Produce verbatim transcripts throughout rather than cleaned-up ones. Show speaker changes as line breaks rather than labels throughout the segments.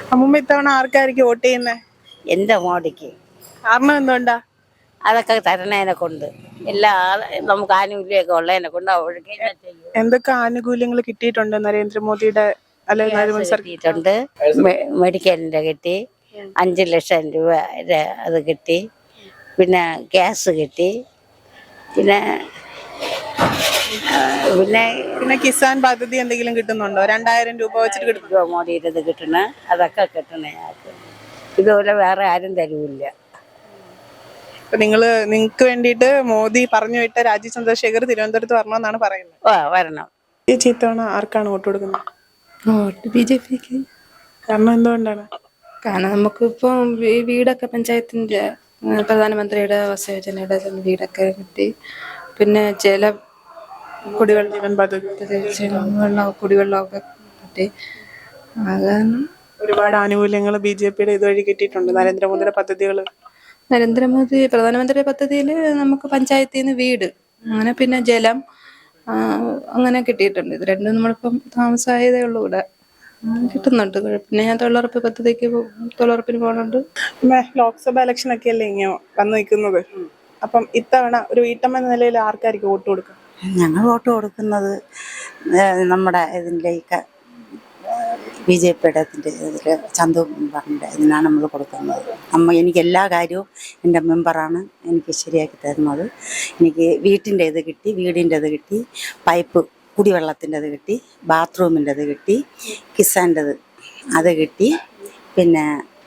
അമ്മൂമ്മ ഇത്തവണ ആർക്കായിരിക്കും വോട്ട് ചെയ്യുന്നേ?
എൻ്റെ മോടിക്ക്.
കാരണം എന്തുകൊണ്ടാ?
അതൊക്കെ തരണേനെ കൊണ്ട് എല്ലാ ആള് നമുക്ക് ആനുകൂല്യമൊക്കെ ഉള്ളതിനെ കൊണ്ട് അവൾക്ക്
എന്തൊക്കെ ആനുകൂല്യങ്ങൾ കിട്ടിയിട്ടുണ്ട് നരേന്ദ്രമോദിയുടെ അല്ലെ നരേന്ദ്ര സർക്കാർ?
കിട്ടിയിട്ടുണ്ട്. മെ- മെഡിക്കലിൻ്റെ കിട്ടി, അഞ്ച് ലക്ഷം രൂപ ര- അത് കിട്ടി, പിന്നെ ഗ്യാസ് കിട്ടി, പിന്നെ ആ, പിന്നെ
പിന്നെ കിസാൻ പദ്ധതി എന്തെങ്കിലും കിട്ടുന്നുണ്ടോ? രണ്ടായിരം രൂപ വെച്ചിട്ട് കിട്ടുന്നു.
രൂപ മോടിയുടെ ഇത് കിട്ടണ അതൊക്കെ കിട്ടണേ ആൾക്ക്. ഇതുപോലെ വേറെ ആരും തരൂല്ല.
അപ്പൊ നിങ്ങള് നിങ്ങക്ക് വേണ്ടിയിട്ട് മോദി പറഞ്ഞു വിട്ട രാജീവ് ചന്ദ്രശേഖർ തിരുവനന്തപുരത്ത് വരണമെന്നാണ് പറയുന്നത്.
ഓ വരണം.
ഈ ചീത്തവണ ആർക്കാണ് വോട്ട് കൊടുക്കുന്നത്?
വോട്ട് ബി ജെ പിക്ക്.
കാരണം എന്തുകൊണ്ടാണ്?
കാരണം നമുക്കിപ്പം ഈ വീടൊക്കെ പഞ്ചായത്തിന്റെ ആ, പ്രധാനമന്ത്രിയുടെ ആവാസ യോജനയുടെ വീടൊക്കെ കിട്ടി. പിന്നെ ചില കുടിവെള്ള
ജീവൻ പദ്ധതി
വെള്ളം കുടിവെള്ളമൊക്കെ കിട്ടി. അത് കാരണം
ഒരുപാട് ആനുകൂല്യങ്ങൾ ബി ജെ പിയുടെ ഇതുവഴി കിട്ടിയിട്ടുണ്ട്. നരേന്ദ്രമോദിയുടെ പദ്ധതികൾ.
നരേന്ദ്രമോദി പ്രധാനമന്ത്രി പദ്ധതിയിൽ നമുക്ക് പഞ്ചായത്തിൽ നിന്ന് വീട്, അങ്ങനെ പിന്നെ ജലം, ആ, അങ്ങനെ കിട്ടിയിട്ടുണ്ട്. ഇത് രണ്ടും നമ്മളിപ്പം താമസമായതേ ഉള്ളൂ ഇവിടെ. ഉം, കിട്ടുന്നുണ്ട്. പിന്നെ ഞാൻ തൊഴിലുറപ്പ് പദ്ധതിക്ക് പോ- തൊഴിലുറപ്പിന് പോകുന്നുണ്ട്.
പിന്നെ ലോക്സഭ ഇലക്ഷൻ ഒക്കെ അല്ലേ ഇങ്ങനെ വന്നു നിൽക്കുന്നത്. അപ്പം ഇത്തവണ ഒരു വീട്ടമ്മ എന്ന നിലയിൽ ആർക്കായിരിക്കും വോട്ട് കൊടുക്കുക?
ഞങ്ങൾ വോട്ട് കൊടുക്കുന്നത് ഏഹ്, നമ്മുടെ ഇതിലേക്ക് ബി ജെ പിയുടെ ഇതിൻ്റെ ഇതിൽ ചന്തു മെമ്പറിൻ്റെ ഇതിനാണ് നമ്മൾ കൊടുക്കുന്നത്. അമ്മ എനിക്ക് എല്ലാ കാര്യവും എൻ്റെ മെമ്പറാണ് എനിക്ക് ശരിയാക്കി തരുന്നത്. എനിക്ക് വീട്ടിൻ്റെ ഇത് കിട്ടി, വീടിൻ്റെ ഇത് കിട്ടി, പൈപ്പ് കുടിവെള്ളത്തിൻ്റെ ഇത് കിട്ടി, ബാത്റൂമിൻ്റെ ഇത് കിട്ടി, കിസാൻ്റെത് അത് കിട്ടി, പിന്നെ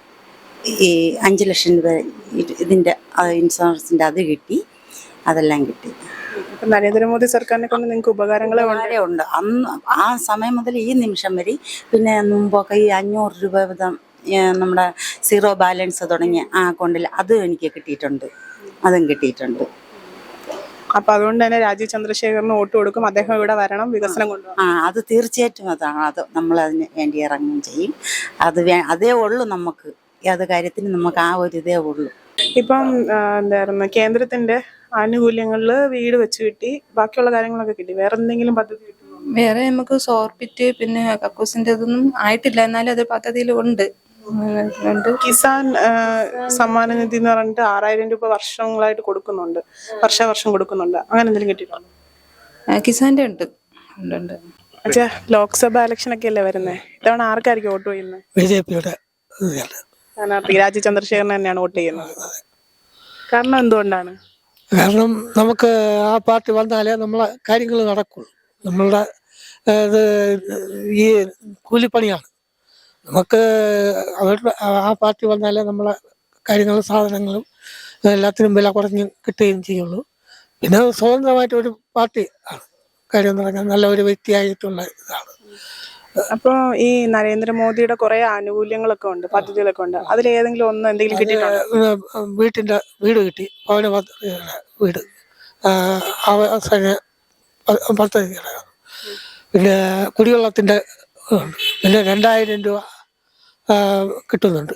ഈ അഞ്ച് ലക്ഷം രൂപ ഇതിൻ്റെ ഇൻഷുറൻസിൻ്റെ അത് കിട്ടി, അതെല്ലാം കിട്ടി.
ഇപ്പൊ നരേന്ദ്രമോദി സർക്കാരിനെ കൊണ്ട് നിങ്ങൾക്ക് ഉപകാരങ്ങളെ ഉണ്ട്.
വളരെ ഉണ്ട്. അന്ന് ആ സമയം മുതൽ ഈ നിമിഷം വരെ, പിന്നെ മുമ്പൊക്കെ ഈ അഞ്ഞൂറ് രൂപ വീതം ഏഹ്, നമ്മുടെ സീറോ ബാലൻസ് തുടങ്ങിയ ആ അക്കൗണ്ടിൽ അതും എനിക്ക് കിട്ടിയിട്ടുണ്ട്, അതും കിട്ടിയിട്ടുണ്ട്.
അപ്പൊ അതുകൊണ്ട് തന്നെ രാജീവ് ചന്ദ്രശേഖറിന് വോട്ട് കൊടുക്കും. അദ്ദേഹം ഇവിടെ വരണം, വികസനം കൊണ്ടുപോകണം.
ആ അത് തീർച്ചയായിട്ടും അതാണ്. അത് നമ്മൾ അതിന് വേണ്ടി ഇറങ്ങുകയും ചെയ്യും. അത് വേ അതേ ഉള്ളൂ നമുക്ക്, ഏത് കാര്യത്തിനും നമുക്ക് ആ ഒരു ഇതേ ഉള്ളൂ.
ഇപ്പം ആ, എന്തായിരുന്നു കേന്ദ്രത്തിന്റെ ആനുകൂല്യങ്ങളില് വീട് വെച്ച് കിട്ടി, ബാക്കിയുള്ള കാര്യങ്ങളൊക്കെ കിട്ടി. വേറെ എന്തെങ്കിലും പദ്ധതി കിട്ടുമോ?
വേറെ നമുക്ക് സോർബിറ്റ് പിന്നെ കക്കൂസിന്റെ ഇതൊന്നും ആയിട്ടില്ല, എന്നാലും അത് പദ്ധതിയിൽ ഉണ്ട്. ഉണ്ട്.
കിസാൻ ആ, സമ്മാന നിധി എന്ന് പറഞ്ഞിട്ട് ആറായിരം രൂപ വർഷങ്ങളായിട്ട് കൊടുക്കുന്നുണ്ട്, വർഷാവർഷം കൊടുക്കുന്നുണ്ട്. അങ്ങനെ എന്തെങ്കിലും കിട്ടിയിട്ടുണ്ടോ?
ആ, കിസാന്റെ ഉണ്ട് ഉണ്ട് ഉണ്ട്
അച്ഛാ, ലോക്സഭ ഇലക്ഷൻ ഒക്കെ അല്ലേ വരുന്നത്. ഇത്തവണ ആർക്കായിരിക്കും വോട്ട് ചെയ്യുന്നത്?
ബി ജെ പിയുടെ
സ്ഥാനാർത്ഥി രാജീവ് ചന്ദ്രശേഖരനെ തന്നെയാണ് വോട്ട് ചെയ്യുന്നത്. കാരണം എന്തുകൊണ്ടാണ്?
കാരണം നമുക്ക് ആ പാർട്ടി വന്നാലേ നമ്മളെ കാര്യങ്ങൾ നടക്കുള്ളൂ. നമ്മളുടെ ഏഹ്, ഇത് ഈ കൂലിപ്പണിയാണ്. നമുക്ക് അവരുടെ ആ പാർട്ടി വന്നാലേ നമ്മളെ കാര്യങ്ങളും സാധനങ്ങളും എല്ലാത്തിനും വില കുറഞ്ഞ് കിട്ടുകയും ചെയ്യുള്ളൂ. പിന്നെ സ്വതന്ത്രമായിട്ട് ഒരു പാർട്ടി ആണ്. കാര്യം എന്ന് പറഞ്ഞാൽ നല്ല ഒരു വ്യക്തിയായിട്ടുള്ള ഇതാണ്.
അപ്പൊ ഈ നരേന്ദ്രമോദിയുടെ കുറെ ആനുകൂല്യങ്ങളൊക്കെ ഉണ്ട്, പദ്ധതികളൊക്കെ ഉണ്ട്. അതിൽ ഏതെങ്കിലും ഒന്ന് എന്തെങ്കിലും കിട്ടിയിട്ടുണ്ടോ?
ഏഹ്, വീട്ടിൻ്റെ വീട് കിട്ടി, ഭവന പദ്ധതിയുടെ വീട്, ആഹ്, അവസാന പ- പദ്ധതിയുടെ, പിന്നെ കുടിവെള്ളത്തിൻ്റെ ഉണ്ട്. പിന്നെ രണ്ടായിരം രൂപ ആഹ്, കിട്ടുന്നുണ്ട്.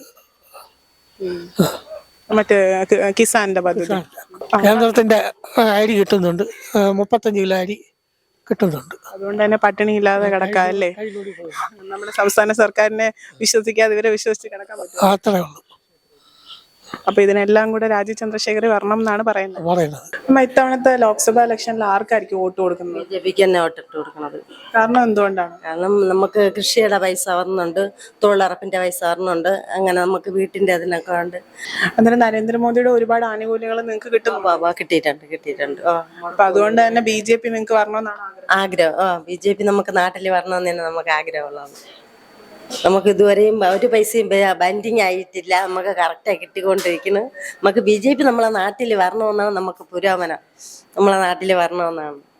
മറ്റേ കി- കിസാന്റെ പദ്ധതി.
കേന്ദ്രത്തിൻ്റെ അരി കിട്ടുന്നുണ്ട്, ആഹ്, മുപ്പത്തഞ്ച് കിലോ അരി കിട്ടുന്നുണ്ട്.
അതുകൊണ്ട് തന്നെ പട്ടിണി ഇല്ലാതെ കിടക്കാം അല്ലേ? നമ്മുടെ സംസ്ഥാന സർക്കാരിനെ വിശ്വസിക്കാതെ ഇവരെ വിശ്വസിച്ച് കിടക്കാൻ പറ്റും.
അത്രേ ഉള്ളൂ
അപ്പൊ ഇതിനെല്ലാം കൂടെ രാജീവ് ചന്ദ്രശേഖർ വരണം എന്നാണ് പറയുന്നത്.
പറയുന്നത്.
അമ്മ, ഇത്തവണത്തെ ലോക്സഭാ ഇലക്ഷനിൽ ആർക്കായിരിക്കും വോട്ട് കൊടുക്കുന്നത്?
ബി ജെ പിക്ക് തന്നെ വോട്ടിട്ട് കൊടുക്കുന്നത്.
കാരണം എന്തുകൊണ്ടാണ്?
കാരണം നമുക്ക് കൃഷിയുടെ പൈസ വരുന്നുണ്ട്, തൊഴിലുറപ്പിന്റെ പൈസ വരുന്നുണ്ട്, അങ്ങനെ നമുക്ക് വീട്ടിന്റെ അതിനൊക്കെ ഉണ്ട്.
അന്നേരം നരേന്ദ്രമോദിയുടെ ഒരുപാട് ആനുകൂല്യങ്ങൾ നിങ്ങൾക്ക് കിട്ടുന്നു.
വാ, വാ, കിട്ടിയിട്ടുണ്ട് കിട്ടിയിട്ടുണ്ട് ഓ
അപ്പൊ അതുകൊണ്ട് തന്നെ ബി ജെ പി നിങ്ങൾക്ക് വരണമെന്നാണ് ആഗ്രഹം.
ആഗ്രഹം. ഓ ബി ജെ പി നമുക്ക് നാട്ടിൽ വരണമെന്ന് തന്നെ നമുക്ക് ആഗ്രഹമുള്ളതാണ്. നമുക്ക് ഇതുവരെയും ഒരു പൈസയും ബൻഡിങ് ആയിട്ടില്ല, നമുക്ക് കറക്റ്റായി കിട്ടിക്കൊണ്ടിരിക്കുന്നു. നമുക്ക് ബി ജെ പി നമ്മളെ നാട്ടിൽ വരണമെന്നാണ് നമുക്ക് പുരോഗമനം, നമ്മളെ നാട്ടിൽ വരണമെന്നാണ്.